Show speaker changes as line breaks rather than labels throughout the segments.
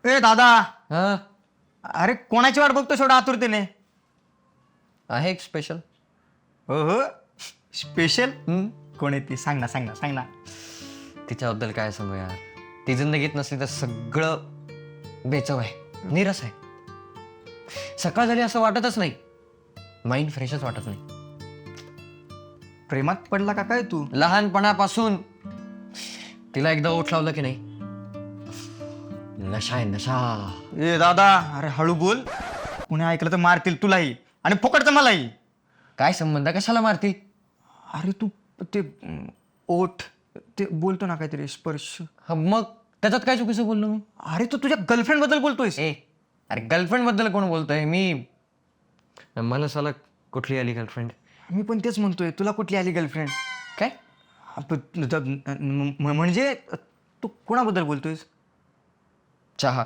ए दादा,
हा
अरे कोणाची वाट बघतो शेवढा आतुरतेने?
आहे एक स्पेशल.
हो हो, स्पेशल कोण आहे ती? सांग ना सांग ना सांग ना.
तिच्याबद्दल काय सांगू यार, ती जिंदगीत नसली तर सगळं बेचव आहे, निरस आहे. सकाळ झाली असं वाटतच नाही, माइंड फ्रेशच वाटत नाही.
प्रेमात पडला का काय तू?
लहानपणापासून तिला एकदा ओठ लावलं की नाही, नशा आहे नशा.
ए दादा, अरे हळू बोल, कुणी ऐकलं तर मारतील तुलाही आणि फुकटचं मलाही.
काय संबंध, कशाला मारती?
अरे तू ते ओठ ते बोलतो ना काहीतरी स्पर्श.
हा, मग त्याच्यात काय चुकीचं बोललो मी?
अरे तू तुझ्या गर्लफ्रेंड बद्दल बोलतोयस?
ए अरे गर्लफ्रेंड बद्दल कोण बोलतोय? मी मला साला कुठली आली गर्लफ्रेंड?
मी पण तेच म्हणतोय, तुला कुठली आली गर्लफ्रेंड?
काय?
म्हणजे तू कोणाबद्दल बोलतोयस?
चहा.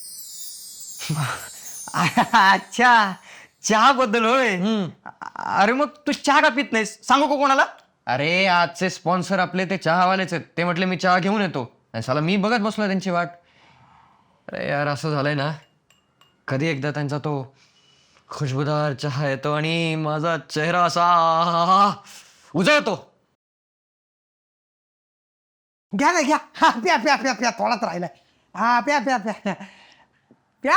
अच्छा, चहा बद्दल होय. अरे मग तू चहा का पित नाहीस? सांगू का कोणाला?
अरे आजचे स्पॉन्सर आपले ते चहावालेच आहेत. ते म्हटले मी चहा घेऊन येतो, आणि साला मी बघत बसलो त्यांची वाट. अरे यार असं झालंय ना, कधी एकदा त्यांचा तो खुशबुदार चहा येतो आणि माझा चेहरा असा उजळतो.
घ्या ना घ्या. हा प्या प्या प्या प्या, थोडाच राहिलाय. हा प्या प्या प्या प्या.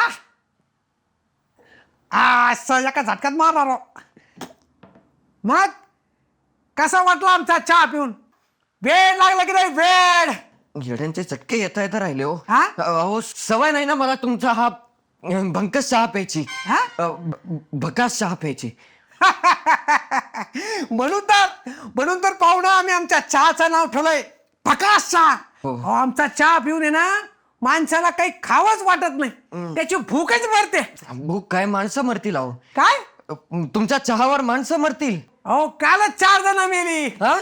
असं एका झटक्यात मारणार हो. मग कसा वाटला आमचा चहा पिऊन? वेळ लागला की नाही? वेळ.
येड्यांचे चटके येता येता राहिले हो.
हा?
अहो सवय नाही ना मला तुमचा हा भंकस चहा प्यायची.
हा?
भकास चहा प्यायची.
म्हणून तर पाहुणा आम्ही आमच्या चहाचं नाव ठेवलंय प्रकाश चहा.
हो.
अहो, आमचा चहा पिऊन आहे ना, माणसाला काही खावंच वाटत नाही, त्याची भूकच मरते.
भूक काय, माणसं मरतील अहो.
काय?
तुमच्या चहावर माणसं मरतील.
अहो कालच 4 जण मेली.
हा?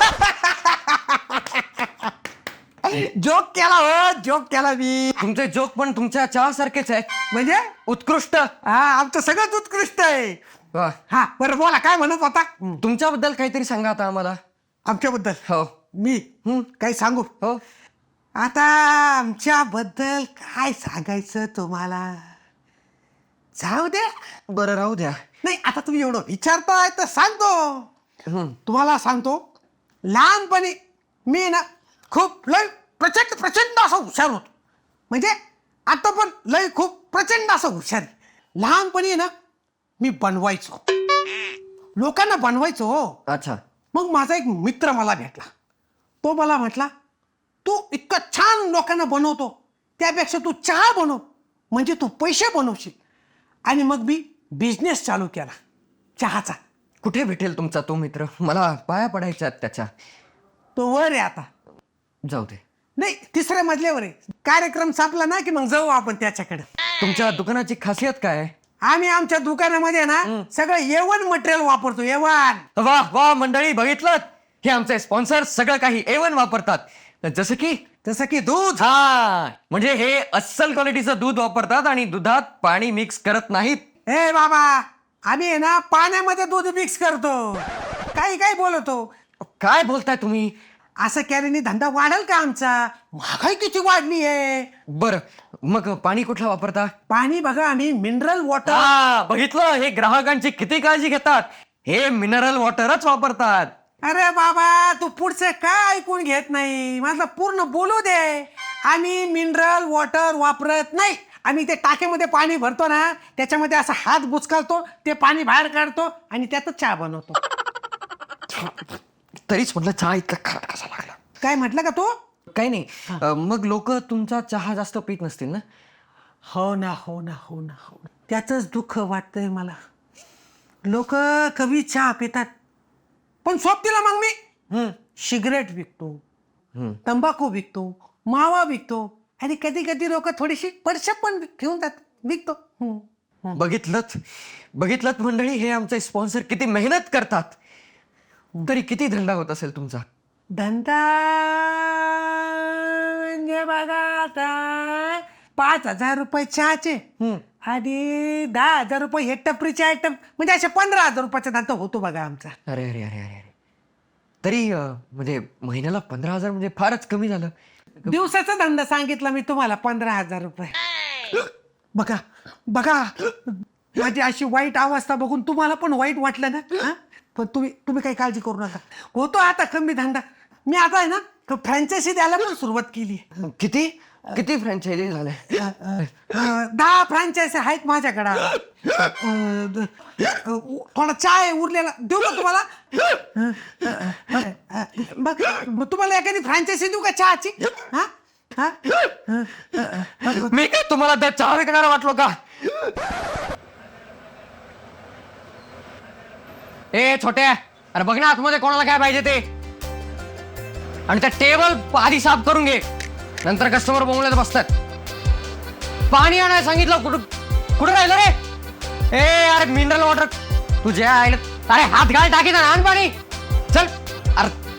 जोक केला हो, जोक केला मी.
तुमचे जोक पण तुमच्या चहा सारखेच आहेत,
म्हणजे
उत्कृष्ट.
हा, आमचं सगळंच उत्कृष्ट आहे.
वा.
हा बरं, बोला काय म्हणत होता?
तुमच्याबद्दल काहीतरी सांगा आता आम्हाला.
आमच्याबद्दल
हो
मी काही सांगू?
हो.
आता आमच्याबद्दल काय सांगायचं तुम्हाला? जाऊ दे.
बरं राहू द्या.
नाही, आता तुम्ही एवढं विचारताय तर सांगतो. तुम्हाला सांगतो, लहानपणी मी ना खूप लय प्रचंड प्रचंड असं हुशार होतो. म्हणजे आता पण लय खूप प्रचंड असं हुशार आहे. लहानपणी ना मी बनवायचो, लोकांना बनवायचो हो.
अच्छा.
मग माझा एक मित्र मला भेटला. तो मला म्हटला, तू इतकं छान लोकांना बनवतो, त्यापेक्षा तू चहा बनव, म्हणजे तू पैसे बनवशील. आणि मग मी बिझनेस चालू केला चहाचा.
कुठे भेटेल तुमचा तो मित्र? मला पाया पडायच्या आहेत त्याच्या.
तो वर आहे आता.
जाऊ दे.
नाही, 3ऱ्या मजल्यावर आहे. कार्यक्रम संपला ना की मग जाऊ आपण त्याच्याकडे.
तुमच्या दुकानाची खासियत काय आहे?
आम्ही आमच्या दुकानामध्ये ना सगळं A1 मटेरियल वापरतो. A1.
वा वा मंडळी, बघितलं, हे आमचे स्पॉन्सर सगळं काही A1 वापरतात. जसं की
दूध.
हा, म्हणजे हे अस्सल क्वालिटीचं दूध वापरतात आणि दुधात पाणी मिक्स करत नाहीत.
हे बाबा, आम्ही आहे ना पाण्यामध्ये दूध मिक्स करतो. काही काही बोलतो.
काय बोलताय तुम्ही?
असं केल्याने धंदा वाढेल का आमचा? महागाई किती वाढली आहे.
बरं, मग पाणी कुठलं वापरता?
पाणी बघा, आम्ही मिनरल वॉटर.
हा, बघितलं, हे ग्राहकांची किती काळजी घेतात. हे मिनरल वॉटरच वापरतात.
अरे बाबा, तू पुढचं काय ऐकून घेत नाही? माझं पूर्ण बोलू दे. आम्ही मिनरल वॉटर वापरत नाही. आम्ही ते टाकीमध्ये पाणी भरतो ना, त्याच्यामध्ये असा हात बुचकालतो, ते पाणी बाहेर काढतो आणि त्यातच चहा बनवतो.
तरीच म्हटलं चहा इतका खाट कसा लागला.
काय म्हटलं का तू?
काही नाही. मग लोक तुमचा चहा जास्त पित नसतील ना?
हो ना, हो ना, हो ना, हो ना. त्याचंच दुःख वाटतंय मला. लोक कमी चहा पितात, पण सोबतीला मग मी सिगरेट विकतो, तंबाखू विकतो, मावा विकतो, आणि कधी कधी लोक थोडीशी पडशा पण घेऊन जातात, विकतो.
बघितलत मंडळी, हे आमचे स्पॉन्सर किती मेहनत करतात. तरी किती धंदा होत असेल तुमचा?
धंदा म्हणजे बघा आता, 5,000 रुपये चहाचे आणि 10,000 रुपये हे टपरीचे आयटम, म्हणजे असे 15,000 रुपयाचा धंदा होतो बघा आमचा.
अरे अरे अरे अरे अरे, तरी म्हणजे महिन्याला 15,000 म्हणजे फारच कमी झालं.
दिवसाचा धंदा सांगितला मी तुम्हाला, 15,000 रुपये. बघा बघा माझी अशी वाईट अवस्था बघून तुम्हाला पण वाईट वाटलं ना हा? पण तुम्ही काही काळजी करू नका. होतो आता कमी धंदा. मी आता आहे ना फ्रँचायझी द्यायला पण सुरुवात केली.
किती किती फ्रँचायझी झाले?
10 फ्रँचायझी आहेत माझ्याकडं. थोडा चाय उरलेला देऊ का तुम्हाला? बघ मग तुम्हाला एखादी फ्रँचायझी देऊ का चहाची? हा हा
मी काय तुम्हाला त्या चहा विकणारा वाटलो का? ए छोट्या, अरे बघ ना आतमध्ये कोणाला काय पाहिजे ते, आणि त्या टेबल आधी साफ करून घे, नंतर कस्टमर बोंबलत बसतात. पाणी आणायला सांगितलं, कुठं राहिलं रे? ए अरे मिनरल वॉटर तुझ्या अरे हात घाल टाकी ना, आण पाणी चल. अरे